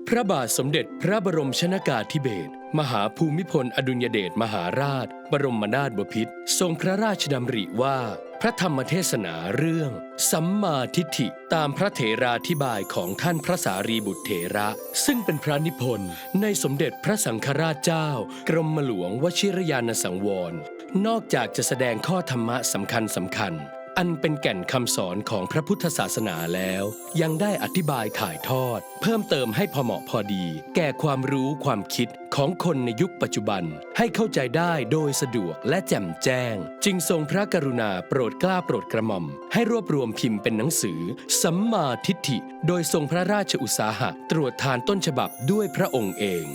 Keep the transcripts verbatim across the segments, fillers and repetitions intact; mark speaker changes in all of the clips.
Speaker 1: พระบาทสมเด็จพระบรมชนกาธิเบศรมหาภูมิพลอดุลยเดชมหาราชบรมนาถบพิตรทรงพระราชดำริว่าพระธรรมเทศนาเรื่องสัมมาทิฏฐิตามพระเถราธิบายของท่านพระสารีบุตรเถระซึ่งเป็นพระนิพนธ์ในสมเด็จพระสังฆราชเจ้ากรมหลวงวชิรยานสังวรนอกจากจะแสดงข้อธรรมะสำคัญสำคัญอันเป็นแก่นคำสอนของพระพุทธศาสนาแล้วยังได้อธิบายถ่ายทอดเพิ่มเติมให้พอเหมาะพอดีแก่ความรู้ความคิดของคนในยุคปัจจุบันให้เข้าใจได้โดยสะดวกและแจ่มแจ้งจึงทรงพระกรุณาโปรดเกล้าโปรดกระหม่อมให้รวบรวมพิมพ์เป็นหนังสือสัมมาทิฏฐิโดยทรงพระราชอุตสาหะตรวจทานต้นฉบับด้วยพระองค์เอง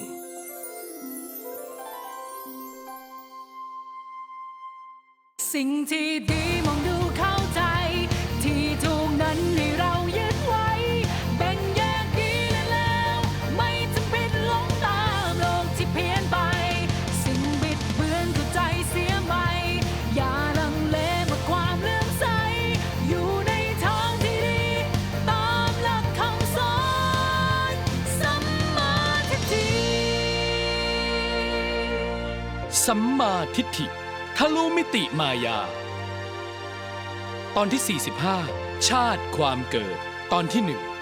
Speaker 2: สิ่งที่ดีมองดูเข้าใจที่ถูกนั้นให้เรายึดไว้แบ่งแยกดีและแล้วไม่จำเป็นหลงตามโลกที่เพี้ยนไปสิ่งบิดเบือนก็ใจเสียใหม่อย่าลังเลเมื่อความเลื่อมใสอยู่ในทางที่ดีตามหลักคำสอนสัมมาทิฏฐิ
Speaker 1: สัมมาทิฏฐิทะลุมิติมายาตอนที่สี่สิบห้าชาติความเกิดตอนที่หนึ่ง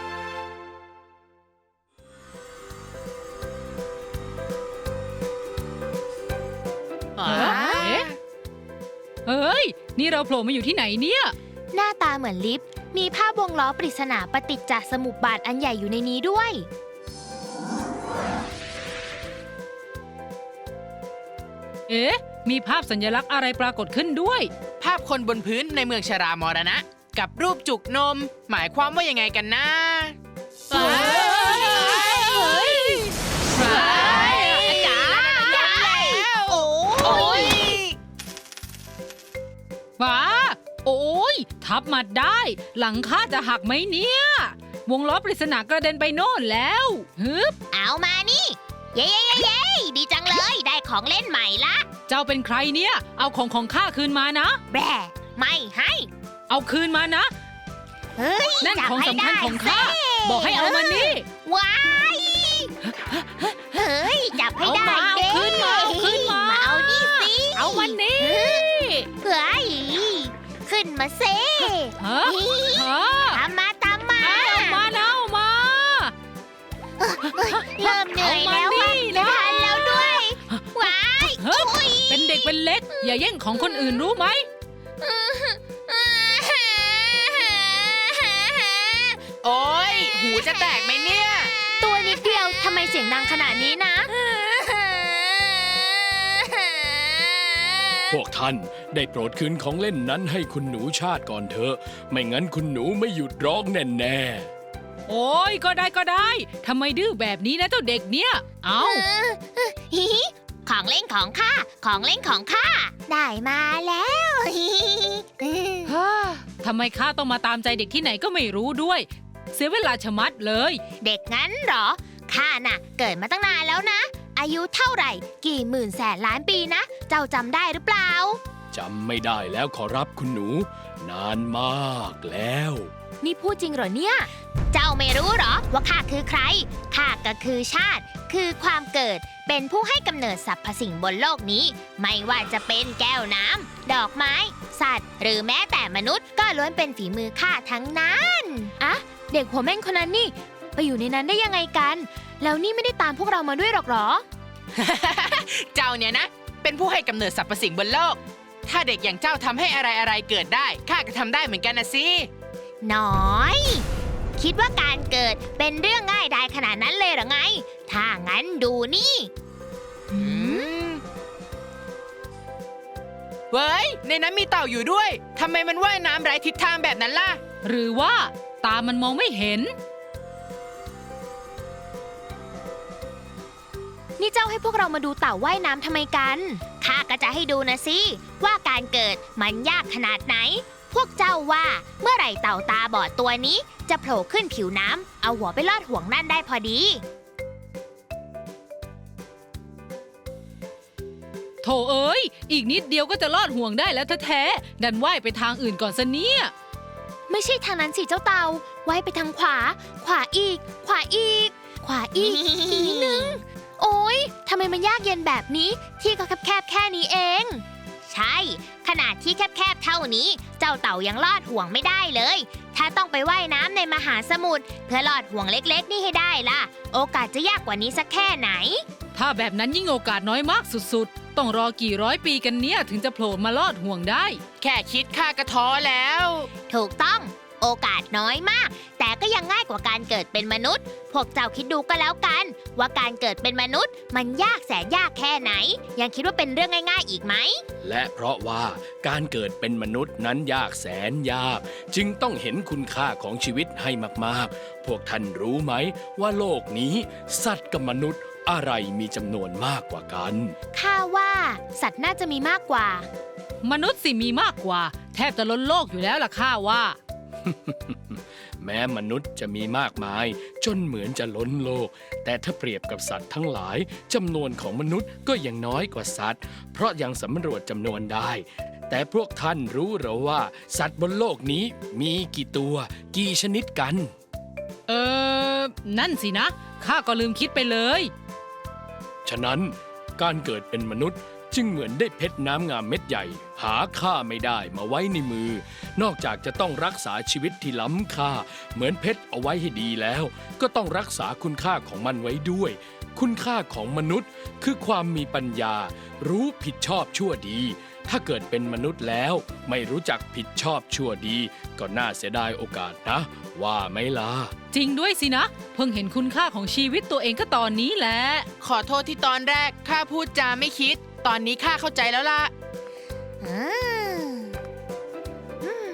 Speaker 3: เฮ้ยนี่เราโผล่มาอยู่ที่ไหนเนี่ย
Speaker 4: หน้าตาเหมือนลิฟต์มีภาพวงล้อปริศนาปฏิจจสมุปบาทอันใหญ่อยู่ในนี้ด้วย
Speaker 3: เอ๊ะมีภาพสัญลักษณ์อะไรปรากฏขึ้นด้วย
Speaker 5: ภาพคนบนพื้นในเมืองชรามรณะกับรูปจุกนมหมายความว่ายังไงกันนะ
Speaker 3: เฮ้ยเฮ้ย
Speaker 5: เฮ้ยจ๋าแล้วโอ้ย
Speaker 3: ว้าโอ้ยทับมาได้หลังคาจะหักไหมเนี่ยวงล้อปริศนากระเด็นไปโน่นแล้วฮึบ
Speaker 4: เอามานี่เย้เย้เย้ดีจังเลยได้ของเล่นใหม่ละ
Speaker 3: เจ้าเป็นใครเนี่ยเอาของของข้าคืนมานะ
Speaker 4: แบะไม่ให้
Speaker 3: เอาคืนมานะ
Speaker 4: เฮ้ย
Speaker 3: นั่นของสำคัญของข้าบอกให้เอามานี่
Speaker 4: ว้ายเฮ้ยจับให้ได้
Speaker 3: เอาคืนมาเอาคืนมา
Speaker 4: เอานี่สิ
Speaker 3: เอาวันนี้
Speaker 4: เฮ้ยขึ้นมาเซ่
Speaker 3: ฮะ
Speaker 4: ตามมาตามมา
Speaker 3: เอามาเอามา
Speaker 4: เริ่มเหนื่อยแล้วไม่ทันแล้วด้วยว้าย
Speaker 3: เป็นเด็กเป็นเล็กอย่าแย่งของคนอื่นรู้ไหม
Speaker 5: โอ้ยหูจะแตกไหมเนี่ย
Speaker 4: ตัวนิดเดียวทำไมเสียงดังขนาดนี้นะ
Speaker 1: พวกท่านได้โปรดคืนของเล่นนั้นให้คุณหนูชาติก่อนเถอะไม่งั้นคุณหนูไม่หยุดร้องแน่
Speaker 3: ๆโอ้ยก็ได้ก็ได้ทำไมดื้อแบบนี้นะเจ้าเด็กเนี่ยเอา
Speaker 4: ของเล่นของข้าของเล่นของข้าได้มาแล้ว
Speaker 3: ทำไมข้าต้องมาตามใจเด็กที่ไหนก็ไม่รู้ด้วยเสียเวลาชะมัดเลย
Speaker 4: เด็กงั้นเหรอข้าน่ะเกิดมาตั้งนานแล้วนะอายุเท่าไหร่กี่หมื่นแสนล้านปีนะเจ้าจำได้หรือเปล่า
Speaker 1: จำไม่ได้แล้วขอรับคุณหนูนานมากแล้ว
Speaker 4: นี่พูดจริงเหรอเนี่ยเจ้าไม่รู้เหรอว่าข้าคือใครข้าก็คือชาติคือความเกิดเป็นผู้ให้กำเนิดสรรพสิ่งบนโลกนี้ไม่ว่าจะเป็นแก้วน้ำดอกไม้สัตว์หรือแม้แต่มนุษย์ก็ล้วนเป็นฝีมือข้าทั้งนั้นอะเด็กหัวแม่นคนนั้นนี่ไปอยู่ในนั้นได้ยังไงกันแล้วนี่ไม่ได้ตามพวกเรามาด้วยหรอกหรอ
Speaker 5: เจ้าเนี่ยนะเป็นผู้ให้กำเนิดสรรพสิ่งบนโลกถ้าเด็กอย่างเจ้าทำให้อะไรอะไรเกิดได้ข้าก็ทำได้เหมือนกันนะสิ
Speaker 4: น้อยคิดว่าการเกิดเป็นเรื่องง่ายดายขนาดนั้นเลยหรือไงถ้างั้นดูนี่
Speaker 5: เว้ยในนั้นมีเต่าอยู่ด้วยทำไมมันว่ายน้ำไร้ทิศทางแบบนั้นล่ะ
Speaker 3: หรือว่าตามันมองไม่เห็น
Speaker 4: นี่เจ้าให้พวกเรามาดูเต่าว่ายน้ำทำไมกันข้าก็จะให้ดูนะสิว่าการเกิดมันยากขนาดไหนพวกเจ้าว่าเมื่อไหร่เต่าตาบอดตัวนี้จะโผล่ขึ้นผิวน้ำเอาหัวไปลอดห่วงนั่นได้พอดี
Speaker 3: โถเอ้ยอีกนิดเดียวก็จะลอดห่วงได้แล้วแท้ๆดันว่ายไปทางอื่นก่อนซะเนี่ย
Speaker 4: ไม่ใช่ทางนั้นสิเจ้าเต่าว่ายไปทางขวาขวาอีกขวาอีกขวาอีก อีกนิดนึง โอ๊ยทำไมมันยากเย็นแบบนี้ ที่ก็แคบๆแค่นี้เอง ใช่ ขนาดที่แคบๆเท่านี้ เจ้าเต่ายังลอดห่วงไม่ได้เลย ถ้าต้องไปว่ายน้ำในมหาสมุทรเพื่อลอดห่วงเล็กๆ นี่ให้ได้ล่ะ โอกาสจะยากกว่านี้สักแค่ไหน
Speaker 3: ถ้าแบบนั้นยิ่งโอกาสน้อยมากสุดๆ ต้องรอกี่ร้อยปีกันเนี่ยถึงจะโผล่มาลอดห่วงได้
Speaker 5: แค่คิดข้าก็ท้อแล้ว
Speaker 4: ถูกต้อง โอกาสน้อยมาก แต่ก็ยังง่ายกว่าการเกิดเป็นมนุษย์ พวกเจ้าคิดดูก็แล้วกัน ว่าการเกิดเป็นมนุษย์ มันยากแสนยากแค่ไหน ยังคิดว่าเป็นเรื่องง่ายๆอีกไหม
Speaker 1: และเพราะว่าการเกิดเป็นมนุษย์นั้นยากแสนยาก จึงต้องเห็นคุณค่าของชีวิตให้มากๆ พวกท่านรู้ไหมว่าโลกนี้ สัตว์กับมนุษย์อะไรมีจำนวนมากกว่ากัน
Speaker 4: ข้าว่าสัตว์น่าจะมีมากกว่า
Speaker 3: มนุษย์สิมีมากกว่า แทบจะล้นโลกอยู่แล้วล่ะข้าว่า
Speaker 1: แม้มนุษย์จะมีมากมาย จนเหมือนจะล้นโลก แต่ถ้าเปรียบกับสัตว์ทั้งหลายจำนวนของมนุษย์ก็ยังน้อยกว่าสัตว์ เพราะยังสำรวจจำนวนได้ แต่พวกท่านรู้หรือว่า สัตว์บนโลกนี้มีกี่ตัว กี่ชนิดกัน
Speaker 3: เออ นั่นสินะ ข้าก็ลืมคิดไปเลย
Speaker 1: ฉะนั้นการเกิดเป็นมนุษย์จึงเหมือนได้เพชรน้ำงามเม็ดใหญ่ หาค่าไม่ได้มาไว้ในมือ นอกจากจะต้องรักษาชีวิตที่ล้ำค่า เหมือนเพชรเอาไว้ให้ดีแล้ว ก็ต้องรักษาคุณค่าของมันไว้ด้วย คุณค่าของมนุษย์คือความมีปัญญา รู้ผิดชอบชั่วดี ถ้าเกิดเป็นมนุษย์แล้ว ไม่รู้จักผิดชอบชั่วดี ก็น่าเสียดายโอกาสนะ ว่าไหมล่ะ
Speaker 3: จริงด้วยสินะ เพิ่งเห็นคุณค่าของชีวิตตัวเองก็ตอนนี้แหละ
Speaker 5: ขอโทษที่ตอนแรกข้าพูดจาไม่คิด ตอนนี้ข้าเข้าใจแล้วล่ะ
Speaker 4: อืมอืม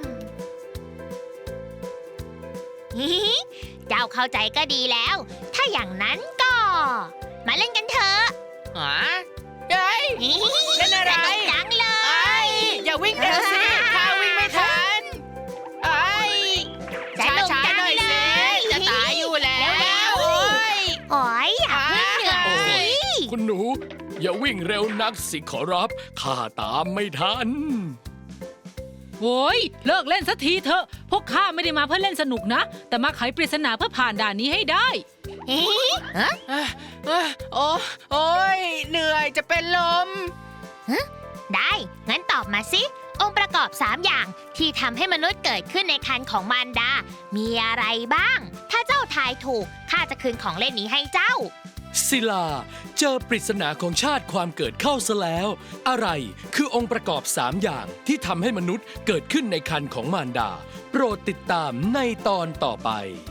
Speaker 4: ฮิฮิ เจ้าเข้าใจก็ดีแล้ว ถ้าอย่างนั้นก็ มาเล่นกันเถอะ
Speaker 5: หาเฮ้ย
Speaker 4: ฮิฮิ
Speaker 5: เล่นอะไร
Speaker 4: สนุกจังเล
Speaker 5: ไอ้
Speaker 4: ย
Speaker 5: อย่าวิ่งเร็วสิข้าวิ่งไม่ทันไอ้
Speaker 4: สนุก
Speaker 5: ช้า
Speaker 4: จัง
Speaker 5: ๆหน่อย
Speaker 4: เล
Speaker 5: สิ
Speaker 4: ย
Speaker 5: จะตายอยู่แล้ว
Speaker 4: เร็วๆ
Speaker 5: โอ้ย
Speaker 4: โอ้ยอย่าเพิ่งเหนื่อยสิ
Speaker 1: คุณหนู อย่าวิ่งเร็วนักสิขอรับ ข้าตามไม่ทัน
Speaker 3: โว้ยเลิกเล่นสักทีเถอะ พวกข้าไม่ได้มาเพื่อเล่นสนุกนะ แต่มาไขปริศนาเพื่อผ่านด่านนี้ให้ได้
Speaker 4: ฮิฮิฮะ
Speaker 5: เอ้ยเอ้ยโอ้โอ้ยเหนื่อยจะเป็นลม
Speaker 4: ได้ งั้นตอบมาสิ องค์ประกอบสามอย่างที่ทำให้มนุษย์เกิดขึ้นในครรภ์ของมารดา มีอะไรบ้าง ถ้าเจ้าทายถูก ข้าจะคืนของเล่นนี้ให้เจ้า
Speaker 1: ศิลา เจอปริศนาของชาติความเกิดเข้าซะแล้ว อะไรคือองค์ประกอบสามอย่างที่ทำให้มนุษย์เกิดขึ้นในครรภ์ของมารดา โปรดติดตามในตอนต่อไป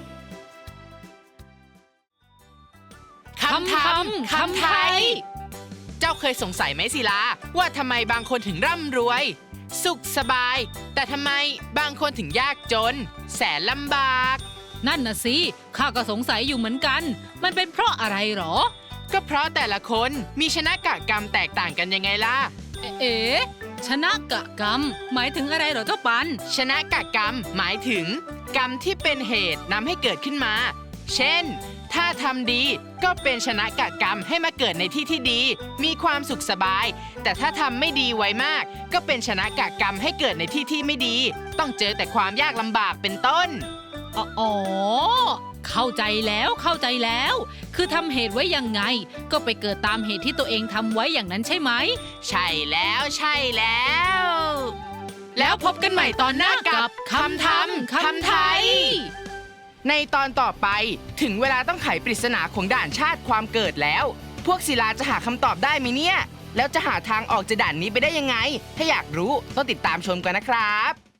Speaker 5: คำทำคำไทย เจ้าเคยสงสัยไหมศิลา ว่าทำไมบางคนถึงร่ำรวย สุขสบาย แต่ทำไมบางคนถึงยากจน แสนลำบาก
Speaker 3: นั่นน่ะสิ ข้าก็สงสัยอยู่เหมือนกัน มันเป็นเพราะอะไรหรอ
Speaker 5: ก็เพราะแต่ละคนมีชนะกะกรรมแตกต่างกันยังไงล่ะ
Speaker 3: เอ๋เอ๋ชนะกะกรรม หมายถึงอะไรเหรอเจ้าปัน
Speaker 5: ชนะกะกรรม หมายถึง กรรมที่เป็นเหตุนำให้เกิดขึ้นมา เช่น ถ้าทำดีก็เป็นชนะกะกรรมให้มาเกิดในที่ที่ดี มีความสุขสบาย แต่ถ้าทำไม่ดีไว้มาก ก็เป็นชนะกะกรรมให้เกิดในที่ที่ไม่ดี ต้องเจอแต่ความยากลำบากเป็นต้น
Speaker 3: อ๋อ เข้าใจแล้วเข้าใจแล้ว คือทำเหตุไว้ยังไง ก็ไปเกิดตามเหตุที่ตัวเองทำไว้อย่างนั้นใช่ไหม
Speaker 5: ใช่แล้วใช่แล้ว แล้วพบกันใหม่ตอนหน้ากับคำทำคำไทย ในตอนต่อไปถึงเวลาต้องไขปริศนาของด่านชาติความเกิดแล้ว พวกศิลาจะหาคำตอบได้ไหมเนี่ย แล้วจะหาทางออกจากด่านนี้ไปได้ยังไง ถ้าอยากรู้ต้องติดตามชมกันนะครับ